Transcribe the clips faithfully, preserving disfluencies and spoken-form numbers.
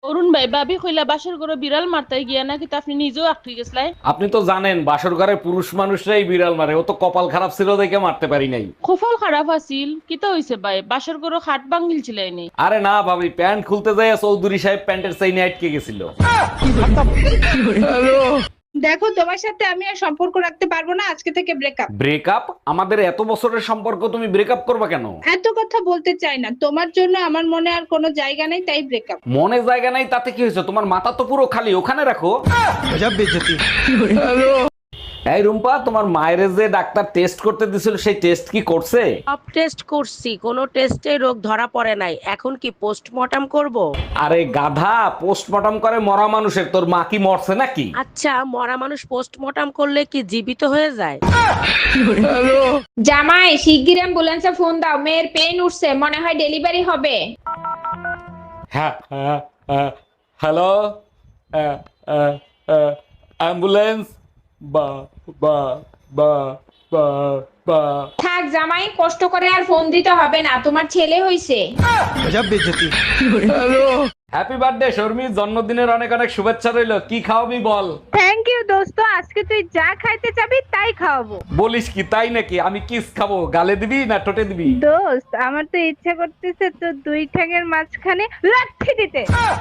অরুণ ভাই, ভাবি কইলা বাসর করে বিড়াল মারতে গিয়া নাকি তা আপনি নিজেও আটকে গেছলাই। আপনি তো জানেন বাসর ঘরে পুরুষ মানুষরাই বিড়াল মারে, ও তো কপাল খারাপ ছিল দেখে মারতে পারি নাই। খোফল খারাপ আছিল, কিতা হইছে ভাই? বাসর করে খাট ভাঙ্গিল ছিলাইনি। আরে না ভাবি, প্যান্ট খুলতে যাই চৌধুরী সাহেব প্যান্টের চাইনে আটকে গেছিল। দেখো, তোমার সাথে আমি আর সম্পর্ক রাখতে পারবো না, আজকে থেকে ব্রেকআপ। ব্রেকআপ? আমাদের এত বছরের সম্পর্ক, তুমি ব্রেকআপ করবা কেন? এত কথা বলতে চাই না, তোমার জন্য আমার মনে আর কোনো জায়গা নেই, তাই ব্রেকআপ। মনে জায়গা নাই তাতে কি হয়েছে? তোমার মাথা তো পুরো খালি, ওখানে রাখো। এই রুম্পা, তোমার মায়ের যে ডাক্তার টেস্ট করতে দিছিল সেই টেস্ট কি করছে? সব টেস্ট করছি, কোনো টেস্টে রোগ ধরা পড়ে নাই। এখন কি পোস্টমর্টম করব? আরে গাধা, পোস্টমর্টম করে মরা মানুষের, তোর মা কি মরছে নাকি? আচ্ছা, মরা মানুষ পোস্টমর্টম করলে কি জীবিত হয়ে যায়? জামাই, শিগগির অ্যাম্বুলেন্সে ফোন দাও, মেয়ের পেন উঠছে, মনে হয় ডেলিভারি হবে। হ্যাঁ, হ্যাঁ, হ্যাঁ, হ্যালো, হ্যাঁ, হ্যাঁ, হ্যাঁ, অ্যাম্বুলেন্স, বা বা বা বা বা থাক জামাই, কষ্ট করে আর ফোন দিতে হবে না, তোমার ছেলে হইছে। হ্যাপি বার্থডে শর্মি, জন্মদিনের অনেক অনেক শুভেচ্ছা রইলো। কি খাওয়াবি বল? থ্যাংক ইউ দোস্ত, আজকে তুই যা খাইতে চাবি তাই খাওয়াবো। বলিস কি, তাই নাকি? আমি কিস খাবো, গালে দিবি না ঠোঁটে দিবি? দোস্ত, আমার তো ইচ্ছা করতেছে তো দুই ঠ্যাঙের মাঝখানে লাথি দিতে।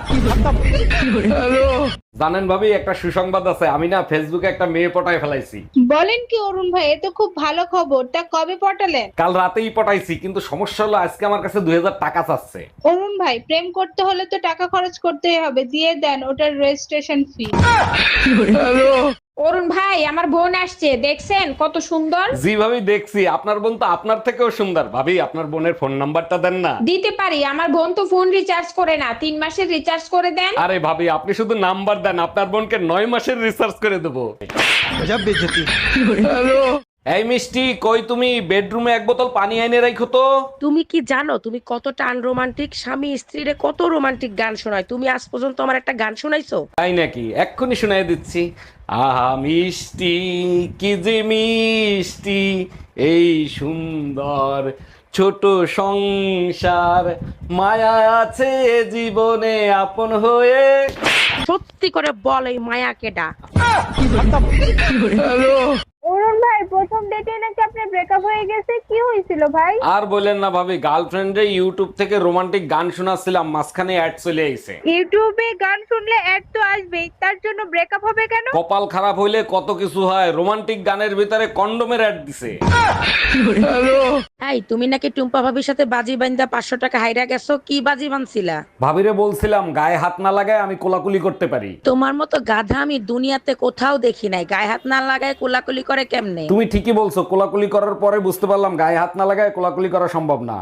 জানেন ভাবি, একটা সুসংবাদ আছে, আমি না ফেসবুকে একটা মেয়ে পটায় ফেলাইছি। বলেন কি অরুণ ভাই, এ তো খুব ভালো খবর। তা কবে পটালেন? কাল রাতেই পটাইছি, কিন্তু সমস্যা হলো আজকে আমার কাছে দুই হাজার টাকা চাচ্ছে। অরুণ ভাই, প্রেম করতে হলে তো টাকা খরচ করতেই হবে, দিয়ে দেন ওটার রেজিস্ট্রেশন ফি। অরুণ ভাই, আমার বোন আসছে, দেখছেন কত সুন্দর? জি ভাবি দেখছি, আপনার বোন তো আপনার থেকেও সুন্দর। ভাবি, আপনার বোনের ফোন নাম্বারটা দেন না। দিতে পারি, আমার বোন তো ফোন রিচার্জ করে না, তিন মাসের রিচার্জ করে দেন। আরে ভাবি, আপনি শুধু নাম্বার দেন, আপনার বোনকে নয় মাসের রিসার্চ করে দেবো। এই মিষ্টি, কই তুমি? বেডরুমে এক বোতল পানি এনে রাখো তো। তুমি কি জানো তুমি কতটা আনরোমান্টিক? স্বামী স্ত্রীরে কত রোমান্টিক গান শোনায়, তুমি আজ পর্যন্ত আমার একটা গান শোনাইছো? তাই নাকি? এক্ষুনি শুনাই দিচ্ছি। আহা মিষ্টি, কি যে মিষ্টি এই সুন্দর ছোট সংসার, মায়া আছে জীবনে আপন হয়ে। সত্যি করে বল, এই মায়া কেডা? অরুণ ভাই, প্রথম ডেটে নাকি আপনার ব্রেকআপ হয়ে গেছে, কি হয়েছিল ভাই? আর বলেন না ভাবি, গার্লফ্রেন্ডে ইউটিউব থেকে রোমান্টিক গান শোনাচ্ছিলাম, মাঝখানে অ্যাড চলে আইছে। ইউটিউবে গান শুনলে অ্যাড তো আসবেই, তার জন্য ব্রেকআপ হবে কেন? কপাল খারাপ হইলে কত কিছু হয়, রোমান্টিক গানের ভিতরে কন্ডোমের অ্যাড দিছে। এই, তুমি নাকি টুম্পা ভাবির সাথে বাজি বান্ধা পাঁচশো টাকা হাইরা গেছো, কি বাজি বানছিলা? ভাবিরে বলছিলাম গায়ে হাত না লাগায় আমি কোলাকুলি করতে পারি। তোমার মতো গাধা আমি দুনিয়াতে কোথাও দেখি নাই। গায়ে হাত না লাগায় কোলাকুলি করে কেমনে? তুমি ঠিকই বলছো, কোলাকুলি করার পরে বুঝতে পারলাম গায়ে হাত না লাগায় কোলাকুলি করা সম্ভব না।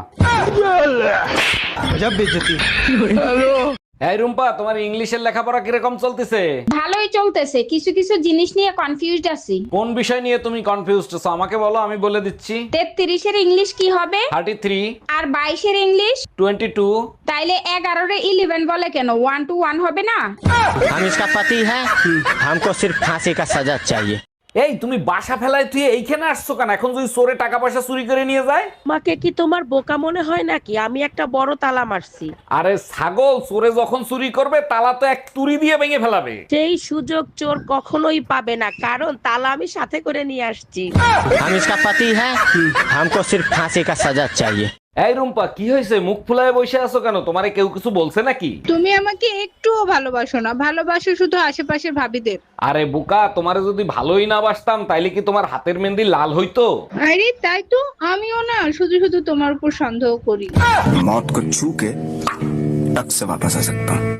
এই রুম্পা, তোমার ইংলিশের লেখাপড়া কিরকম চলতেছে? ভালোই চলতেছে, কিছু কিছু জিনিস নিয়ে কনফিউজড আছি। কোন বিষয় নিয়ে তুমি কনফিউজড আছো আমাকে বলো, আমি বলে দিচ্ছি। তেত্রিশের ইংলিশ কি হবে? Thirty three. আর বাইশের ইংলিশ? Twenty two. তাইলে এগারোর ইলেভেন বলে কেন? ওয়ান টু ওয়ান হবে না? हम इसका पति है, हमको सिर्फ फांसी का सजा चाहिए। এই তুমি বাসা ফেলায় তুই এইখানে আসছো কেন? এখন যদি চোরে টাকা পয়সা চুরি করে নিয়ে যায়? তোমাকে কি তোমার বোকা মনে হয় নাকি? আমি একটা বড় তালা মারছি। আরে ছাগল, চোরে যখন চুরি করবে তালা তো এক তুড়ি দিয়ে ভেঙে ফেলাবে। সেই সুযোগ চোর কখনোই পাবে না, কারণ তালা আমি সাথে করে নিয়ে আসছি। हम इसका पति है, हमको सिर्फ फांसी का सजा चाहिए। এই রুম্পা, কি হয়েছে? মুখ ফুলায় বসে আছো কেন? তোমারে কেউ কিছু বলছে নাকি? তুমি আমাকে একটুও ভালোবাসো না, ভালোবাসো শুধু আশেপাশের ভাবিদের। আরে বোকা, তোমারে যদি ভালোই না বাসতাম তাইলে কি তোমার হাতের মেহেন্দি লাল হইতো? আরে তাই তো, আমিও না শুধু শুধু তোমার উপর সন্দেহ করি। मौत को छू के टक से वापस आ सकता हूँ।